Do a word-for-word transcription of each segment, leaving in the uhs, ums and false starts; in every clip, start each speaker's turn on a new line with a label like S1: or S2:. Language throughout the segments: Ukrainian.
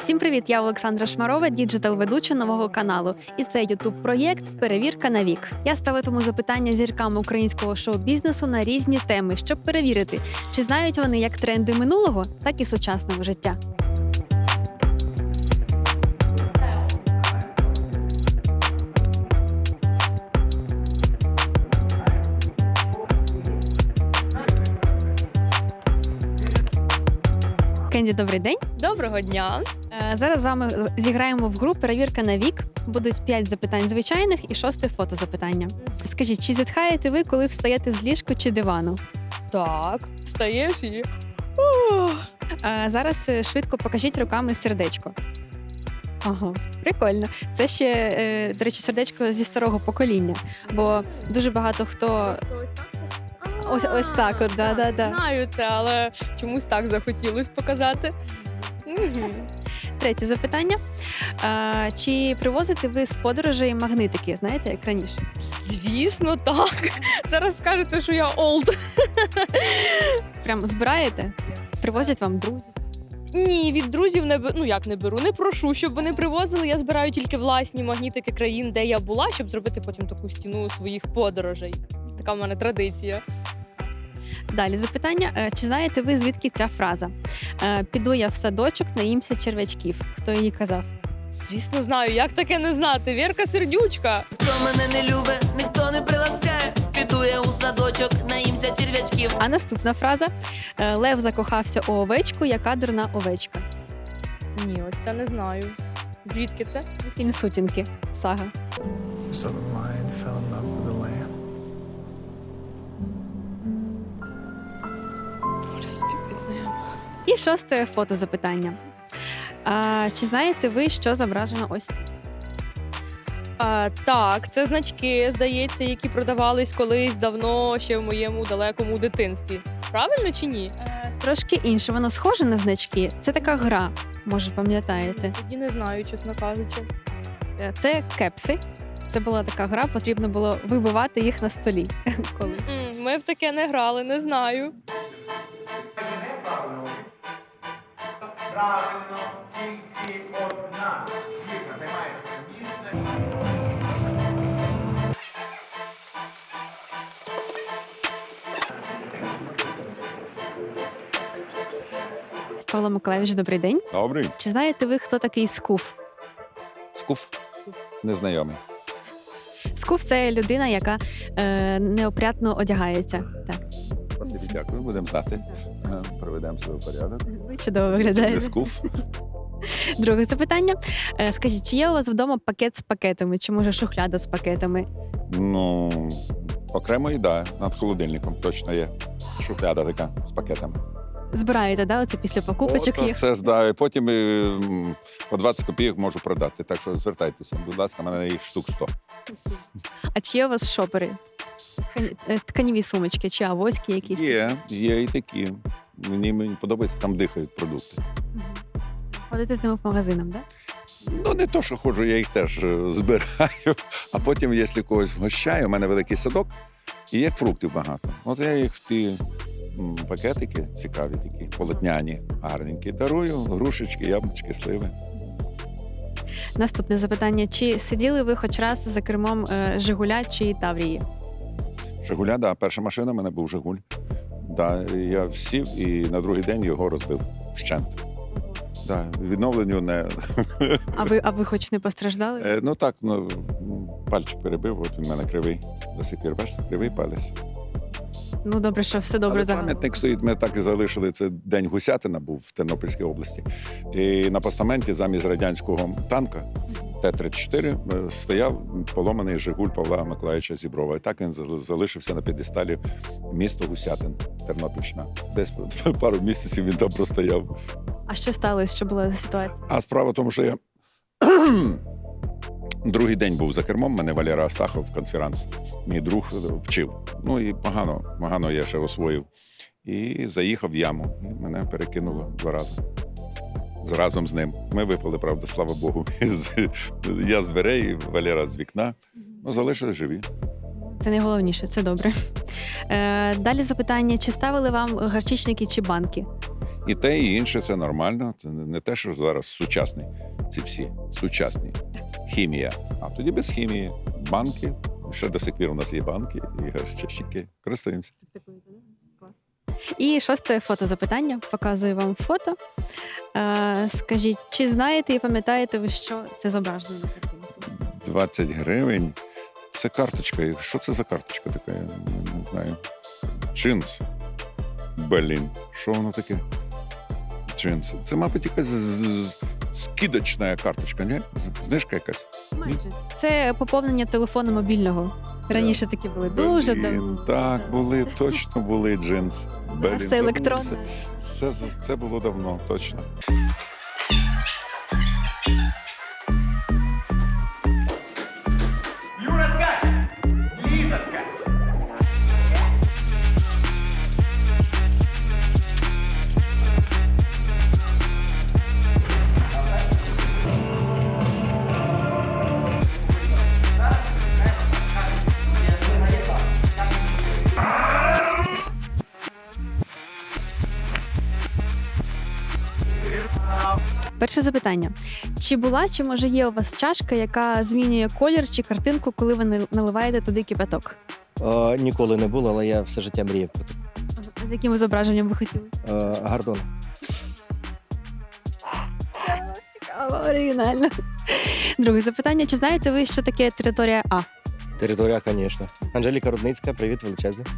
S1: Всім привіт! Я Олександра Шмарова, діджитал-ведуча нового каналу. І це ютуб-проєкт «Перевірка на вік». Я ставитиму запитання зіркам українського шоу-бізнесу на різні теми, щоб перевірити, чи знають вони як тренди минулого, так і сучасного життя. Кенді, добрий день.
S2: Доброго дня.
S1: Е, Зараз з вами зіграємо в гру «Перевірка на вік». Будуть п'ять запитань звичайних і шосте фотозапитання. Скажіть, чи зітхаєте ви, коли встаєте з ліжка чи дивану?
S2: Так, встаєш і...
S1: Е, Зараз е, швидко покажіть руками сердечко. Ага, прикольно. Це ще, е, до речі, сердечко зі старого покоління. Бо дуже багато хто... Ось, ось так от, да-да-да.
S2: Знаю це, але чомусь так захотілося показати. Угу.
S1: Третє запитання. Е, Чи привозите ви з подорожей магнитики, знаєте, як раніше?
S2: Звісно, так. Зараз скажете, що я олд.
S1: Прям збираєте? Привозять вам друзі?
S2: Ні, від друзів не беру. Ну як не беру, не прошу, щоб вони привозили. Я збираю тільки власні магнітики країн, де я була, щоб зробити потім таку стіну своїх подорожей. Така в мене традиція.
S1: Далі запитання. Е, Чи знаєте ви, звідки ця фраза? Е, Піду я в садочок, наїмся черв'ячків. Хто її казав?
S2: Звісно, знаю, як таке не знати. Вірка Сердючка.
S3: Хто мене не любить, ніхто не приласкає. Піду я у садочок, наїмся черв'ячків.
S1: А наступна фраза. Е, Лев закохався у овечку, яка дурна овечка.
S2: Ні, ось це не знаю. Звідки це?
S1: Фільм «Сутінки». Сага.
S4: So the lion fell in love with the lamb. What a stupid lamb.
S1: І шосте фотозапитання. А, чи знаєте ви, що зображено ось?
S2: А, так, це значки, здається, які продавались колись давно, ще в моєму далекому дитинстві. Правильно чи ні?
S1: Е, Трошки інше. Воно схоже на значки. Це така гра, може, пам'ятаєте.
S2: Тоді не знаю, чесно кажучи.
S1: Е, Це кепси. Це була така гра, потрібно було вибивати їх на столі. Коли.
S2: М, Ми в таке не грали, не знаю.
S5: Правильно, тільки одна зірка займає своє місце.
S1: Павло Миколаївич, добрий день.
S6: Добрий.
S1: Чи знаєте ви, хто такий скуф?
S6: Скуф. Незнайомий.
S1: Скуф – це людина, яка е, неопрятно одягається. Так.
S6: Спасибі, дякую. Будемо знати. Е, Приведемо себе в порядок.
S1: Ви чудово
S6: Не
S1: виглядаєте.
S6: скуф.
S1: Друге запитання. Е, скажіть, чи є у вас вдома пакет з пакетами, чи може шухляда з пакетами?
S6: Ну, окремо і да, над холодильником точно є. Шухляда така з пакетами.
S1: Збираєте, да, оце після покупочок
S6: От,
S1: їх?
S6: Це ж да, і потім е, м, по двадцять копійок можу продати. Так що звертайтеся, будь ласка, в мене їх штук сто.
S1: А чи є у вас шопери? Ткані- е, Тканіві сумочки чи авоськи якісь?
S6: Є, є і такі. Мені, мені подобається, там дихають продукти.
S1: Мгм. Ходите з ними по магазинам, так?
S6: Ну, не то, що ходжу, я їх теж е, збираю, а потім, якщо когось вгощаю, у мене великий садок, і є фруктів багато. От я їх в ті м, пакетики цікаві такі, полотняні, гарненькі, дарую, грушечки, яблучки, сливи.
S1: Наступне запитання. Чи сиділи ви хоч раз за кермом е, «Жигуля» чи «Таврії»?
S6: Жигуля, да, перша машина в мене був Жигуль. Да, я сів і на другий день його розбив вщент. Да, відновленню не...
S1: А ви, а ви хоч не постраждали?
S6: Е, ну так, ну, пальчик перебив, от він в мене кривий. До сих пір, бачите, кривий палець.
S1: Ну, добре, що все добре
S6: Але
S1: загалом.
S6: пам'ятник стоїть, ми так і залишили. Це День Гусятина був в Тернопільській області. І на постаменті замість радянського танка Т тридцять чотири е, стояв поломаний Жигуль Павла Миколаївича Зіброва. І так він зал- залишився на п'єдесталі місто Гусятин, Тернопільщина. Десь пару місяців він там простояв.
S1: А що сталося? Що була за ситуація?
S6: А справа в тому, що я другий день був за кермом, мене Валера Астахов, конферанс, мій друг вчив. Ну і погано, погано я ще освоїв. І заїхав в яму, і мене перекинуло два рази. З- Разом з ним. Ми випали, правда, слава Богу. З- Я з дверей, Валера з вікна. Ну, залишились живі.
S1: Це найголовніше, це добре. Е, далі запитання. Чи ставили вам гарчичники чи банки?
S6: І те, і інше це нормально. Це не те, що зараз сучасний. Ці всі сучасні. Хімія. А тоді без хімії. Банки. Ще до сих пір у нас є банки і чашики. Користуємося.
S1: І шосте фотозапитання. Показую вам фото. Е, скажіть, чи знаєте і пам'ятаєте ви, що це зображено на картинці?
S6: двадцять гривень. Це карточка. Що це за карточка така? Я не знаю. Джинс. Блін. Що воно таке? Джинс. Це, мабуть, якась з- з- скидочна карточка, ні? З- Знижка якась.
S1: Майже. Це поповнення телефону мобільного. Раніше такі були дуже
S6: Блін,
S1: давно.
S6: Так, були, точно були джинс. Блін,
S1: Це електронне.
S6: забувся. Це, це, це було давно, точно.
S5: Юра Ткач, Ліза Ткач.
S1: Перше запитання. Чи була, чи може є у вас чашка, яка змінює колір чи картинку, коли ви нал- наливаєте туди кипяток?
S7: Е, ніколи не було, але я все життя мріяв про таке.
S1: З яким зображенням ви хотіли?
S7: Е, Гордон.
S1: Цікаво, оригінально. Друге запитання. Чи знаєте ви, що таке територія А?
S7: Територія, звісно. Анжеліка Рудницька, привіт величезний.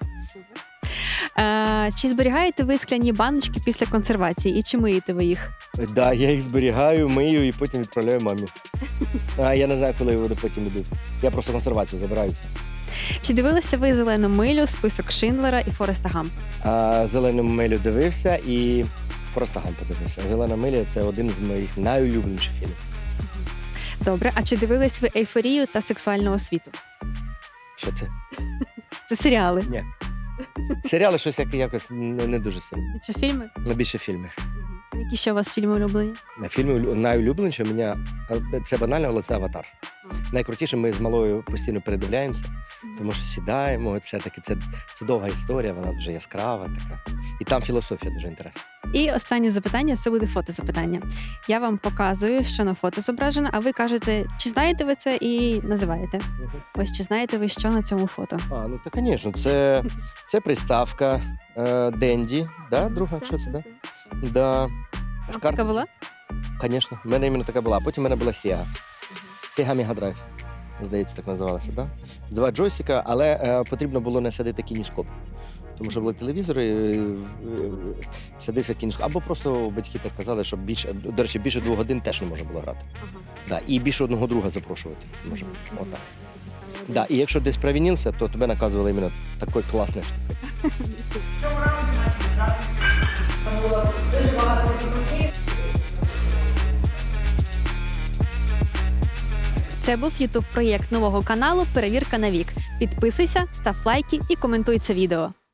S1: Е, чи зберігаєте ви скляні баночки після консервації і чи миєте ви їх?
S7: Так, да, я їх зберігаю, мию і потім відправляю мамі. А я не знаю, коли вони потім йдуть. Я просто консервацію забираю. все.
S1: Чи дивилися ви зелену милю, список Шиндлера і Фореста Гампа?
S7: А зелену милю дивився і просто гам подивився. Зелена миля це один з моїх найулюбленіших фільмів.
S1: Добре, а чи дивились ви ейфорію та сексуальну освіту?
S7: Що це?
S1: Це серіали.
S7: Ні. Серіали щось як- якось не, не дуже сильно.
S1: Чи фільми?
S7: На більше фільми.
S1: Які ще у вас фільми улюблені?
S7: На фільмі улю- найулюбленіше у мене е, це банально, але це аватар. Найкрутіше ми з малою постійно передивляємося, тому що сідаємо. Це таки це, це довга історія, вона дуже яскрава така. І там філософія дуже інтересна.
S1: І останнє запитання це буде фотозапитання. Я вам показую, що на фото зображено, а ви кажете, чи знаєте ви це і називаєте. Ось чи знаєте ви, що на цьому фото?
S7: А, ну так, звісно, це, це приставка е, Денді, да, друга, що це, да? Да. З
S1: Така
S7: карт-
S1: була?
S7: Звісно, в мене іменно така була. Потім в мене була Sega. Sega Mega Drive, здається, так називалася, да? Два джойстика, але е, потрібно було не садити кініскоп. Тому що були телевізори, е, е, садився кініскоп. Або просто батьки так казали, що більше, до речі, більше двох годин теж не можна було грати. Да, і більше одного друга запрошувати. Може. Отак. Да, і якщо десь провінився, то тебе наказували іменно такою класною штукою.
S5: В цьому раунді наші учасники
S1: Це був ютуб проєкт нового каналу Перевірка на вік. Підписуйся, став лайки і коментуй це відео.